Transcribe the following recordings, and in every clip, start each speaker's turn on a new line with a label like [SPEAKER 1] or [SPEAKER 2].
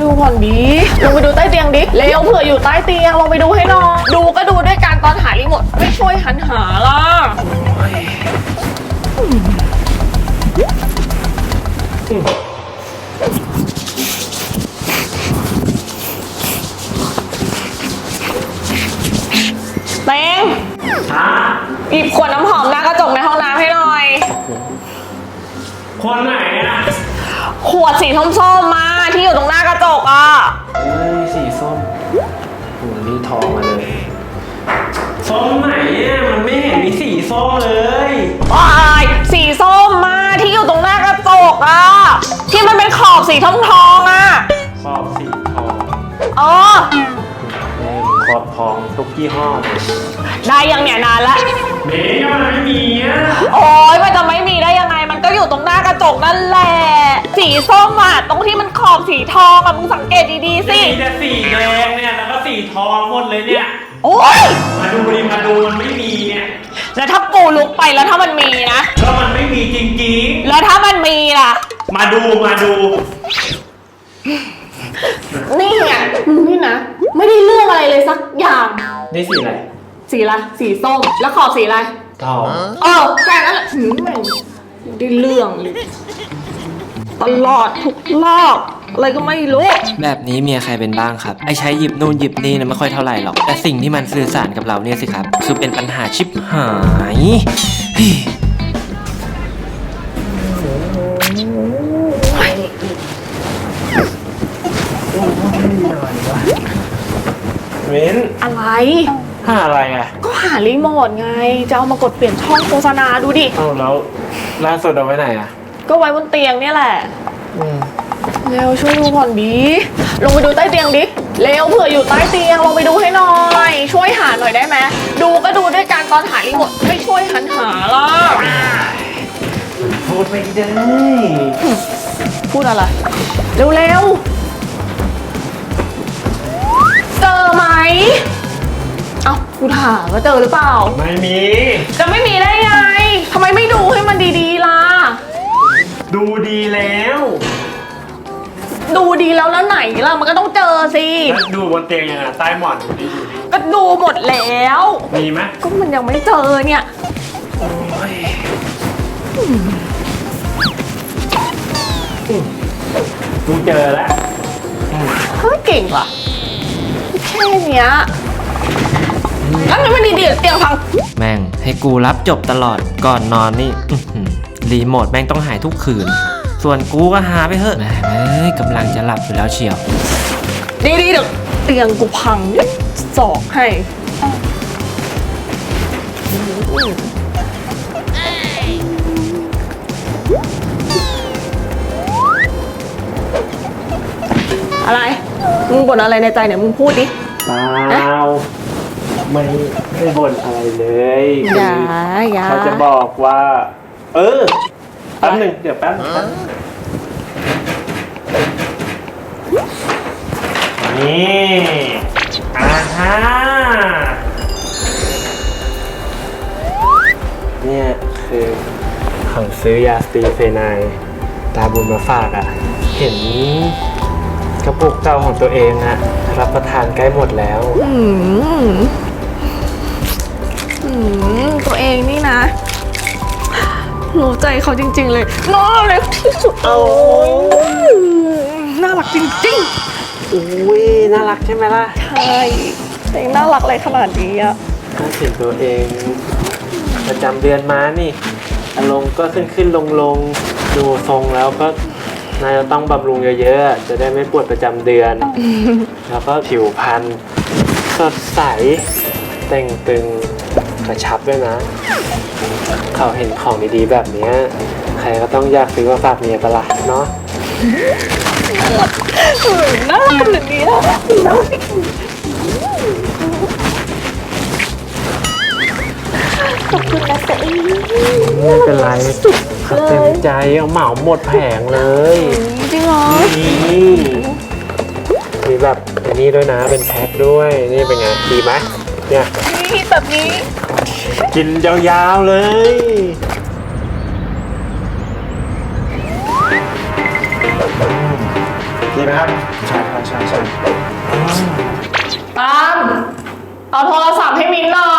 [SPEAKER 1] ดูก่อนดิลงไปดูใต้เตียงดิเร็วเผื่ออยู่ใต้เตียงลงไปดูให้หน่อยดูก็ดูด้วยกันตอนหารีโมทไม่ช่วยหันหาล่ะเต็งหยิบขวดน้ำหอมหน้ากระจกในห้องน้ำให้หน่อย
[SPEAKER 2] คนไหนอ่ะ
[SPEAKER 1] ขวดสีส้มๆมาที่อยู่ตรงหน้ากระจกอ่ะ
[SPEAKER 2] สีส้มหูนี่ทองมาเลยส้มไหนเนี่ยมันไม่เห็นมีสีส้มเลย
[SPEAKER 1] สีส้มมาที่อยู่ตรงหน้ากระจกอ่ะที่มันเป็นขอบสีทองอ่ะ
[SPEAKER 2] ขอบสีทองขอบทองทุกยี่ห้อ
[SPEAKER 1] ได้ยังเนี่ยนานละ
[SPEAKER 2] เมย์มันไม่มีอ่ะ
[SPEAKER 1] โอ๊ยมันจะไม่มีได้ยังไงมันก็อยู่ตรงหน้ากระจกนั่นแหละสีส้มอ่ะตรงที่มันขอบสีทองอ่ะมึงสังเกตดีๆสิ
[SPEAKER 2] มีแต่สีแดงเนี่ยแล้วก็สีทองหมดเลยเนี่ย
[SPEAKER 1] โอ๊ย
[SPEAKER 2] มาดูมันไม่มีเนี่ย
[SPEAKER 1] แล้วถ้าปูลุกไปแล้วถ้ามันมีนะ
[SPEAKER 2] ก็มันไม่มีจริง
[SPEAKER 1] ๆแล้วถ้ามันมีล่ะ
[SPEAKER 2] มาดู
[SPEAKER 1] นี่ไงมึงนี่นะไม่ได้เรื่องอะไรเลยสักอย่าง
[SPEAKER 2] นี่สีอะไร
[SPEAKER 1] สีอะไรสีส้มแล้วขอบสีอะไร
[SPEAKER 2] ทอง
[SPEAKER 1] แค่นั้นแหละไม่ได้เรื่องเลยตลอดทุกรอบอะไรก็ไม่รู้
[SPEAKER 3] แบบนี้เมียใครเป็นบ้างครับไอ้ใช้หยิบนู่นหยิบนี่นะไม่ค่อยเท่าไหร่หรอกแต่สิ่งที่มันสื่อสารกับเราเนี่ยสิครับคือเป็นปัญหาชิบหาย
[SPEAKER 2] เว้น
[SPEAKER 1] อะไร
[SPEAKER 2] หาอะไรอ่ะ
[SPEAKER 1] ก็หารีโมทไงจะเอามากดเปลี่ยนช่องโฆษณาดูดิ
[SPEAKER 2] แล้วล่าสุดเอาไว้ไหนอ่ะ
[SPEAKER 1] ก็ไว้บนเตียงเนี่ยแหละเร็วช่วยดูก่อนดิลงไปดูใต้เตียงดิเร็วเผื่ออยู่ใต้เตียงลงไปดูให้หน่อยช่วยหาหน่อยได้ไหมดูก็ดูด้วยกันตอนหารีโมทไม่ช่วยหันหาล่ะ
[SPEAKER 2] พูดไม่ได้
[SPEAKER 1] พูดอะไรเร็วเจอไหมเอ้ากูถามว่าเจอหรือเปล่า
[SPEAKER 2] ไม่มี
[SPEAKER 1] จะไม่มีได้ไงทำไมไม่ดูให้มันดีๆล่ะ
[SPEAKER 2] ดูดีแล้ว
[SPEAKER 1] แล้วไหนล่ะมันก็ต้องเจอสิ
[SPEAKER 2] ดูบนเตียงยังไงใต้หมอนดูดิ
[SPEAKER 1] ก็ดูหมดแล้ว
[SPEAKER 2] มีไหม
[SPEAKER 1] ก็มันยังไม่เจอเนี่ย
[SPEAKER 2] กูเจอแล้ว
[SPEAKER 1] เฮ้ยเก่งว่ะแค่เนี้ยแล้วมันดีๆเตียงพัง
[SPEAKER 3] แม่งให้กูรับจบตลอดก่อนนอนนี่รีโมทแม่งต้องหายทุกคืนส่วนกูก็หาไปเถอะแม่กำลังจะหลับอยู่แล้วเชียว
[SPEAKER 1] ดีเดี๋ยวเตียงกูพังสอกให้อะไรมึงบ่นอะไรในใจเนี่ยมึงพูดดิ
[SPEAKER 2] เปล่าไม่บ่นอะไรเลย
[SPEAKER 1] อย่า
[SPEAKER 2] เขาจะบอกว่าแป๊บหนึ่งเดี๋ยวแป๊บนี่ฮะเนี่ยคือเขาซื้อยาสตีเฟไนตาบุญมาฝากอ่ะเห็นกระปุกเก่าของตัวเองอะรับประทานใกล้หมดแล้ว
[SPEAKER 1] ตัวเองนี่นะรู้ใจเขาจริงๆเลยน่ารักที่สุดโอ้ยน่ารักจริง
[SPEAKER 2] ๆโอ้ยน่ารักใช่ไหมล่ะ
[SPEAKER 1] ใช่เองน่ารักอะไรขนาดนี้อะ
[SPEAKER 2] ก็เห็นตัวเองประจำเดือนมานี่อารมณ์ก็ขึ้นลงดูทรงแล้วก็นายจะต้องบำรุงเยอะๆจะได้ไม่ปวดประจำเดือนแล้วก็ผิวพรรณสดใสเต่งตึงกระชับด้วยนะเขาเห็นของดีๆแบบนี้ใครก็ต้องอยากซื้อมาฝากเมียปะล่ะเนาะ
[SPEAKER 1] น่ารักแบบนี้นะขอบคุณนะแต่
[SPEAKER 2] ไม่เป็นไรเขาเต็มใจเอาเหมาหมดแผงเลย
[SPEAKER 1] จริงเหรอ
[SPEAKER 2] มีแบบอันนี้ด้วยนะเป็นแพ็คด้วยนี่เป็นไงดีไหมเนี่ย
[SPEAKER 1] นี่แบบนี้
[SPEAKER 2] กินยาวๆเลยดีไหมครับใช่ครับ
[SPEAKER 1] ตามเอาโทรศัพท์ให้มิ้นหน่อย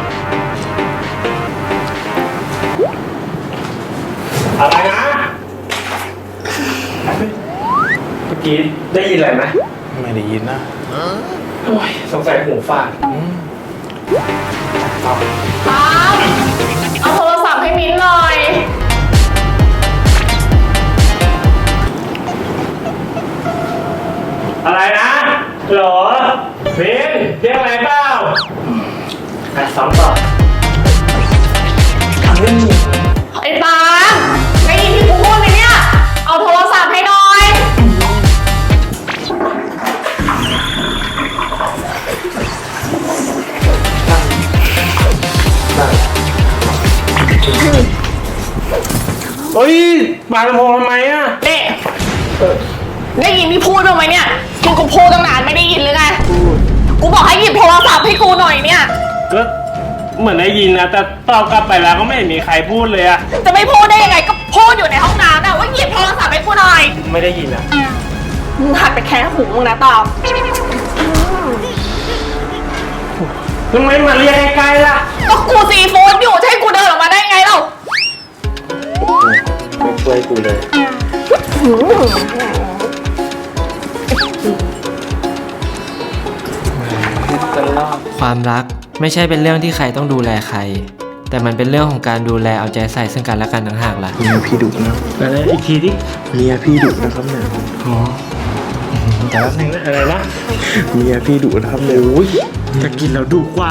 [SPEAKER 2] อะไรนะเมื่อกี้ได้ยินอะไรไหม
[SPEAKER 4] ไม่ได้ยินนะ
[SPEAKER 2] โอ้ยสงสัยหูฝาด
[SPEAKER 1] ตามเอาโทรศัพท์ให้มิ้นหน่อย
[SPEAKER 2] อะไรนะหรอเบนเรียกอะไรเปล่าซ้อมต่อทำเรื่องนี้
[SPEAKER 1] ไอ้ตามได้ยินที่กูพูดไหมเนี่ย เอาโทรศัพท์ให้หน่อย
[SPEAKER 2] เฮ้ยปาลำโพงทำไมอ่ะ
[SPEAKER 1] เด็ได้ยินที่พูดบ้างไหมเนี่ยที่กูพูดตั้งนานไม่ได้ยินหรือไง กูบอกให้หยิบโทรศัพท์ให้กูหน่อยเนี่ย
[SPEAKER 2] ก็เหมือนได้ยินนะแต่ตอบกลับไปแล้วก็ไม่เห็นมีใครพูดเลยอ่ะ
[SPEAKER 1] จะไม่พูดได้ยังไงก็พูดอยู่ในห้องน้ำนะว่าหยิบโทรศัพท์ให้กูหน่อย
[SPEAKER 2] ไม่ได้ยินอ่ะ
[SPEAKER 1] มึงหัดไปแค่หูมึงนะตาม
[SPEAKER 2] ทำไมมาเรียกใกล้ๆล่ะ
[SPEAKER 1] ก็กูซีฟู้ดอยู่จะให้กูเดินออกมาได้ไงเล่า
[SPEAKER 2] ไม่ช่วยกูเลย
[SPEAKER 3] ความรักไม่ใช่เป็นเรื่องที่ใครต้องดูแลใคร แต่มันเป็นเรื่องของการดูแลเอาใจใส่ซึ่งกันและกันต่างหากล่ะ
[SPEAKER 4] เมียพี่ดุนะ
[SPEAKER 2] อะไรอีกทีดิ
[SPEAKER 4] เมียพี่ดุนะครับเนี่ย
[SPEAKER 2] แต่ละนึงอะไรนะ
[SPEAKER 4] เมียพี่ดุนะครับเนี่ยอุ้ย
[SPEAKER 2] จะกินแล้วดุกว่า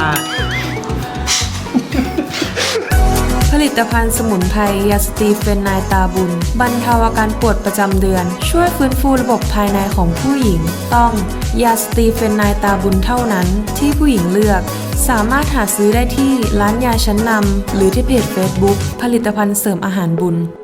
[SPEAKER 5] ผลิตภัณฑ์สมุนไพรยาสตีเฟนไนตาบุญบรรเทาอาการปวดประจำเดือน ช่วยฟื้นฟูระบบภายในของผู้หญิง ต้องยาสตีเฟนไนตาบุญเท่านั้นที่ผู้หญิงเลือก สามารถหาซื้อได้ที่ร้านยาชั้นนำหรือที่เพจ Facebook ผลิตภัณฑ์เสริมอาหารบุญ